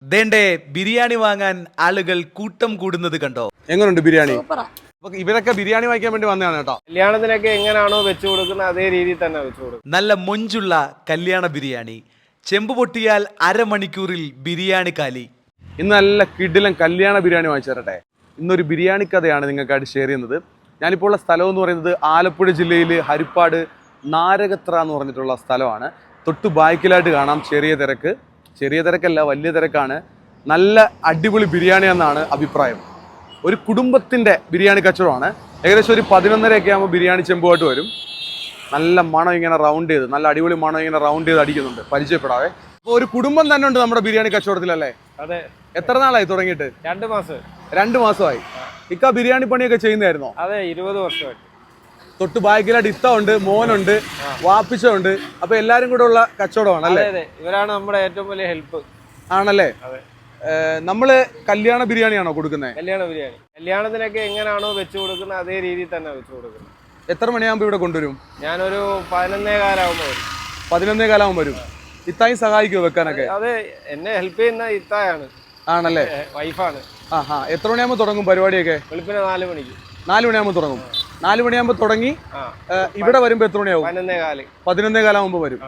ദേണ്ടേ ബിരിയാണി വാങ്ങാൻ ആളുകൾ കൂട്ടം കൂടുന്നത് കണ്ടോ? എങ്ങനെയുണ്ട് ബിരിയാണി? ഇവരൊക്കെ ബിരിയാണി വാങ്ങിക്കാൻ വേണ്ടി വന്നതാണ് കേട്ടോ. കല്യാണത്തിനൊക്കെ എങ്ങനെയാണോ വെച്ചു കൊടുക്കുന്നത് അതേ രീതിയിൽ തന്നെ വെച്ചു കൊടുക്കും. നല്ല മൊഞ്ചുള്ള കല്യാണ ബിരിയാണി. ചെമ്പ് പൊട്ടിയാൽ അരമണിക്കൂറിൽ ബിരിയാണി കാലി. ഇന്ന് നല്ല കിടിലൻ കല്യാണ ബിരിയാണി വാങ്ങിച്ചു തരട്ടെ. ഇന്നൊരു ബിരിയാണി കഥയാണ് നിങ്ങൾക്കായിട്ട് ഷെയർ ചെയ്യുന്നത്. ഞാനിപ്പോൾ ഉള്ള സ്ഥലം എന്ന് പറയുന്നത് ആലപ്പുഴ ജില്ലയിൽ ഹരിപ്പാട് നാരകത്ര എന്ന് പറഞ്ഞിട്ടുള്ള സ്ഥലമാണ്. തൊട്ട് ബാക്കിലായിട്ട് കാണാം ചെറിയ തിരക്ക്. ചെറിയ തിരക്കല്ല, വലിയ തിരക്കാണ്. നല്ല അടിപൊളി ബിരിയാണി എന്നാണ് അഭിപ്രായം. ഒരു കുടുംബത്തിൻ്റെ ബിരിയാണി കച്ചവടമാണ്. ഏകദേശം ഒരു 11:30 ആകുമ്പോൾ ബിരിയാണി ചെമ്പുമായിട്ട് വരും. നല്ല മണം ഇങ്ങനെ റൗണ്ട് ചെയ്ത്, നല്ല അടിപൊളി മണം ഇങ്ങനെ റൗണ്ട് ചെയ്ത് അടിക്കുന്നുണ്ട്. പരിചയപ്പെടാവേ. അപ്പോൾ ഒരു കുടുംബം തന്നെ ഉണ്ട് നമ്മുടെ ബിരിയാണി കച്ചവടത്തിലല്ലേ? അതെ. എത്ര നാളായി തുടങ്ങിയിട്ട്? 2 മാസം. 2 മാസമായി. ഇക്ക ബിരിയാണി പണിയൊക്കെ ചെയ്യുന്നതായിരുന്നോ? അതെ, 20 വർഷമായി. തൊട്ട് ബാക്കിലായിട്ട് ഇത്ത ഉണ്ട്, മോനുണ്ട്, വാപ്പിച്ച ഉണ്ട്. അപ്പൊ എല്ലാരും കൂടെ ഉള്ള കച്ചവടമാണ് അല്ലേ? അതെ, ഇവരാണ് നമ്മുടെ ഏറ്റവും വലിയ ഹെൽപ്പ്. ആണല്ലേ? അതെ. നമ്മള് കല്യാണ ബിരിയാണിയാണോ കൊടുക്കുന്നത്? കല്യാണ ബിരിയാണി. കല്യാണത്തിനൊക്കെ എങ്ങനെയാണോ വെച്ചു കൊടുക്കുന്നത് അതേ രീതിയിൽ തന്നെ വെച്ചു കൊടുക്കുന്നത്. എത്ര മണിയാകുമ്പോ ഇവിടെ കൊണ്ടുവരും? ഞാനൊരു 11:15 ആകുമ്പോൾ വരും. 11:15 ആകുമ്പോൾ വരും. ഇത്തായി സഹായിക്കുമോ വെക്കാനൊക്കെ? അതെ, എന്നെ ഹെൽപ്പ് ചെയ്യുന്ന ഇത്തായാണ്. ആണല്ലേ? വൈഫാണ്. എത്ര മണിയാകുമ്പോൾ തുടങ്ങും പരിപാടിയൊക്കെ? വെളുപ്പിന് 4 മണിക്ക്. 4 മണിയാകുമ്പോൾ തുടങ്ങും. 4 മണിയാകുമ്പോൾ തുടങ്ങി ഇവിടെ വരുമ്പോ എത്ര മണിയാവും? 11:15. 11:15 ആകുമ്പോൾ വരും.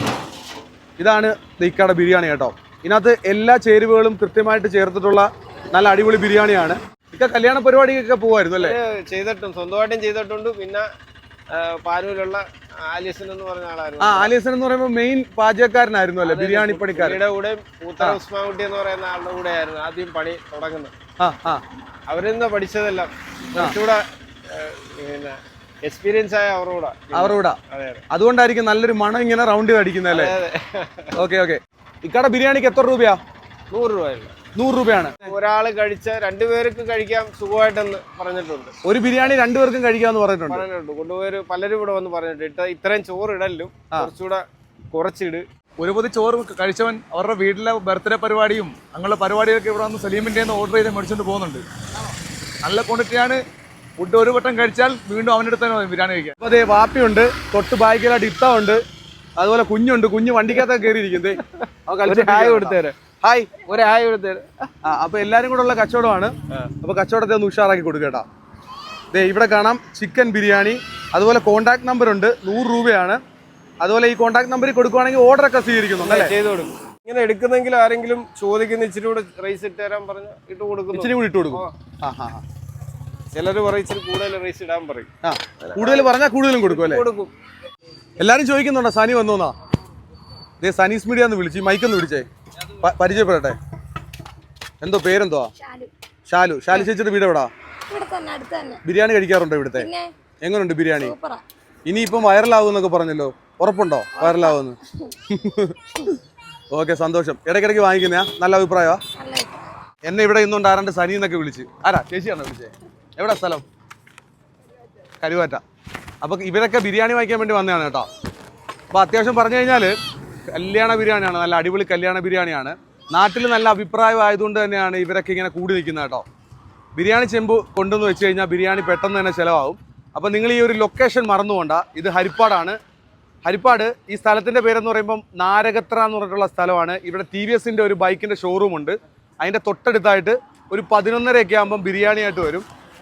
ഇതാണ് ഇക്കയുടെ ബിരിയാണി കേട്ടോ. ഇതിനകത്ത് എല്ലാ ചേരുവകളും കൃത്യമായിട്ട് ചേർത്തിട്ടുള്ള നല്ല അടിപൊളി ബിരിയാണിയാണ്. ഇക്ക കല്യാണ പരിപാടിക്കൊക്കെ പോകുമായിരുന്നു അല്ലേ? ചെയ്തിട്ടും സ്വന്തമായിട്ടും ചെയ്തിട്ടുണ്ട്. പിന്നെ പാനൂരിലുള്ള ആലിയസൻ എന്ന് പറഞ്ഞ ആളായിരുന്നു. ആലിയസൻ എന്ന് പറയുമ്പോൾ മെയിൻ പാചകക്കാരനായിരുന്നു അല്ലേ? ബിരിയാണി പണിക്കാരുടെ കൂടെ പൂത്തറ ഉസ്മാൻകുട്ടി എന്ന് പറയുന്ന ആളുടെ കൂടെ ആയിരുന്നു ആദ്യം പണി തുടങ്ങുന്നത്. അവരിൽ നിന്ന് പഠിച്ചതെല്ലാം കുറച്ചുകൂടെ പിന്നെ എക്സ്പീരിയൻസ് ആയ അവരോടാ. അതുകൊണ്ടായിരിക്കും നല്ലൊരു മണം ഇങ്ങനെ റൗണ്ട് ചെയ്ത് അടിക്കുന്നല്ലേ? ഓക്കെ. ഇക്കടെ ബിരിയാണിക്ക് എത്ര രൂപയാ? 100 രൂപ. 100 രൂപയാണ്. ഒരാള് കഴിച്ച 2 പേർക്ക് കഴിക്കാം സുഖമായിട്ടെന്ന് പറഞ്ഞിട്ടുണ്ട്. ഒരു ബിരിയാണി 2 പേർക്കും കഴിക്കാമെന്ന് പറഞ്ഞിട്ടുണ്ട്. കൊണ്ടുപോയി പലരും ഇവിടെ വന്ന് പറഞ്ഞിട്ട് ഇത്രയും ചോറ് ഇടലും കുറച്ചുകൂടെ കുറച്ചിട്. ഒരു പൊതി ചോറ് കഴിച്ചവൻ അവരുടെ വീട്ടിലെ ബർത്ത്ഡേ പരിപാടിയും അങ്ങനെയുള്ള പരിപാടികളൊക്കെ ഇവിടെ വന്ന് സലീമിൻ്റെ ഓർഡർ ചെയ്ത് മേടിച്ചുകൊണ്ട് പോകുന്നുണ്ട്. നല്ല ക്വാണ്ടിറ്റിയാണ്. ഫുഡ് ഒരു വട്ടം കഴിച്ചാൽ വീണ്ടും അവൻ്റെ അടുത്ത് തന്നെ ബിരിയാണി കഴിക്കാം. അപ്പോൾ അതേ വാപ്പിയുണ്ട്, തൊട്ട് ബാക്കിലായിട്ട് ഇത്ത ഉണ്ട്, അതുപോലെ കുഞ്ഞുണ്ട്. കുഞ്ഞ് വണ്ടിക്കകത്തൊക്കെ കയറിയിരിക്കുന്നത്. ഹായ് കൊടുത്തേരെ. ഹായ്, ഒരു ഹായ് കൊടുത്തേരെ. അപ്പൊ എല്ലാരും കൂടെ ഉള്ള കച്ചവടമാണ്. അപ്പൊ കച്ചവടത്തെ ഒന്ന് ഉഷാറാക്കി കൊടുക്കേട്ടാ. ദേ ഇവിടെ കാണാം ചിക്കൻ ബിരിയാണി. അതുപോലെ കോൺടാക്ട് നമ്പർ ഉണ്ട്, 100 രൂപയാണ്. അതുപോലെ ഈ കോൺടാക്ട് നമ്പറിൽ കൊടുക്കുവാണെങ്കിൽ ഓർഡർ ഒക്കെ സ്വീകരിക്കുന്നുണ്ട്. ചെയ്ത് കൊടുക്കും. ഇങ്ങനെ എടുക്കുന്നെങ്കിൽ ആരെങ്കിലും ചോദിക്കുന്ന ഇച്ചിരി കൂടെ റൈസ് ഇട്ട് തരാൻ പറഞ്ഞ ഇട്ട് കൊടുക്കും. ഇച്ചിരി കൂടി ഇട്ട് കൊടുക്കും. ചിലർ പറയും ഇച്ചിരി കൂടുതൽ റൈസ് ഇടാൻ പറയും. കൂടുതൽ പറഞ്ഞാൽ കൂടുതലും കൊടുക്കും അല്ലേ? കൊടുക്കും. എല്ലാരും ചോദിക്കുന്നുണ്ടോ സനി വന്നോന്നാ? ദേ സനീസ് മീഡിയ എന്ന് വിളിച്ച് മൈക്കൊന്ന് വിളിച്ചേ, പരിചയപ്പെടട്ടെ. എന്തോ പേരെന്തോ? ഷാലു. ഷാലു ചേച്ചിയുടെ വീട് എവിടാ? ബിരിയാണി കഴിക്കാറുണ്ടോ ഇവിടുത്തെ? എങ്ങനെയുണ്ട് ബിരിയാണി? ഇനിയിപ്പം വൈറലാവുമെന്നൊക്കെ പറഞ്ഞല്ലോ, ഉറപ്പുണ്ടോ വൈറലാവുമെന്ന്? ഓക്കെ, സന്തോഷം. ഇടയ്ക്കിടയ്ക്ക് വാങ്ങിക്കുന്നയാ? നല്ല അഭിപ്രായമാ. എന്നെ ഇവിടെ ഇന്നുകൊണ്ട് ആരാണ്ട് സനി എന്നൊക്കെ വിളിച്ച്. ആരാ? ചേച്ചിയാണോ വിളിച്ചേ? എവിടെ സ്ഥലം? കരുവാറ്റ. അപ്പോൾ ഇവരൊക്കെ ബിരിയാണി വാങ്ങിക്കാൻ വേണ്ടി വന്നതാണ് കേട്ടോ. അപ്പോൾ അത്യാവശ്യം പറഞ്ഞു കഴിഞ്ഞാൽ കല്യാണ ബിരിയാണിയാണ്, നല്ല അടിപൊളി കല്യാണ ബിരിയാണിയാണ്. നാട്ടിൽ നല്ല അഭിപ്രായം ആയതുകൊണ്ട് തന്നെയാണ് ഇവരൊക്കെ ഇങ്ങനെ കൂടി നിൽക്കുന്നത് കേട്ടോ. ബിരിയാണി ചെമ്പ് കൊണ്ടുവന്ന് വെച്ച് കഴിഞ്ഞാൽ ബിരിയാണി പെട്ടെന്ന് തന്നെ ചിലവാകും. അപ്പോൾ നിങ്ങൾ ഈ ഒരു ലൊക്കേഷൻ മറന്നുകൊണ്ട. ഇത് ഹരിപ്പാടാണ്. ഹരിപ്പാട് ഈ സ്ഥലത്തിൻ്റെ പേരെന്ന് പറയുമ്പം നാരകത്ര എന്ന് പറഞ്ഞിട്ടുള്ള സ്ഥലമാണ്. ഇവിടെ TVSൻ്റെ ഒരു ബൈക്കിൻ്റെ ഷോറൂമുണ്ട്. അതിൻ്റെ തൊട്ടടുത്തായിട്ട് ഒരു 11:30 ആകുമ്പം ബിരിയാണിയായിട്ട് വരും.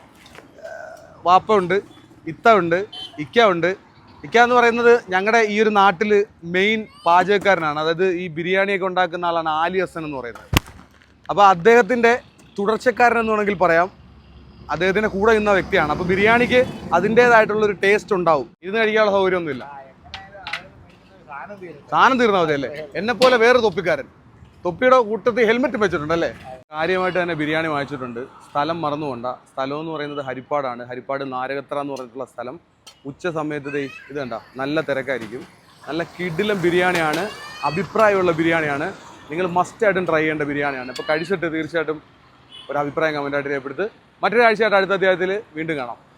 വാപ്പ ഉണ്ട്, ഇത്ത ഉണ്ട്, ഇക്ക ഉണ്ട്. ഇക്ക എന്ന് പറയുന്നത് ഞങ്ങളുടെ ഈ ഒരു നാട്ടിൽ മെയിൻ പാചകക്കാരനാണ്. അതായത് ഈ ബിരിയാണിയൊക്കെ ഉണ്ടാക്കുന്ന ആളാണ് ആലിയസൻ എന്ന് പറയുന്നത്. അപ്പോൾ അദ്ദേഹത്തിൻ്റെ തുടർച്ചക്കാരൻ എന്ന് വേണമെങ്കിൽ പറയാം. അദ്ദേഹത്തിൻ്റെ കൂടെ നിന്ന വ്യക്തിയാണ്. അപ്പോൾ ബിരിയാണിക്ക് അതിൻ്റേതായിട്ടുള്ളൊരു ടേസ്റ്റ് ഉണ്ടാവും. ഇരുന്ന് കഴിക്കാനുള്ള സൗകര്യമൊന്നുമില്ല. സാധനം തീർന്നാൽ മതി അല്ലേ? എന്നെപ്പോലെ വേറെ തൊപ്പിക്കാരൻ. തൊപ്പിയുടെ കൂട്ടത്തിൽ ഹെൽമെറ്റ് വെച്ചിട്ടുണ്ടല്ലേ? കാര്യമായിട്ട് തന്നെ ബിരിയാണി വാങ്ങിച്ചിട്ടുണ്ട്. സ്ഥലം മറന്നുകൊണ്ട. സ്ഥലം എന്ന് പറയുന്നത് ഹരിപ്പാടാണ്. ഹരിപ്പാട് നാരകത്ര എന്ന് പറഞ്ഞിട്ടുള്ള സ്ഥലം. ഉച്ച സമയത്ത് ഇത് കണ്ട നല്ല തിരക്കായിരിക്കും. നല്ല കിടിലം ബിരിയാണിയാണ്, അഭിപ്രായമുള്ള ബിരിയാണിയാണ്. നിങ്ങൾ മസ്റ്റായിട്ടും ട്രൈ ചെയ്യേണ്ട ബിരിയാണിയാണ്. ഇപ്പോൾ കഴിച്ചിട്ട് തീർച്ചയായിട്ടും ഒരു അഭിപ്രായം കമൻറ്റായിട്ട് രേഖപ്പെടുത്ത്. മറ്റൊരു ആഴ്ചയായിട്ട് അടുത്ത അധ്യായത്തിൽ വീണ്ടും കാണാം.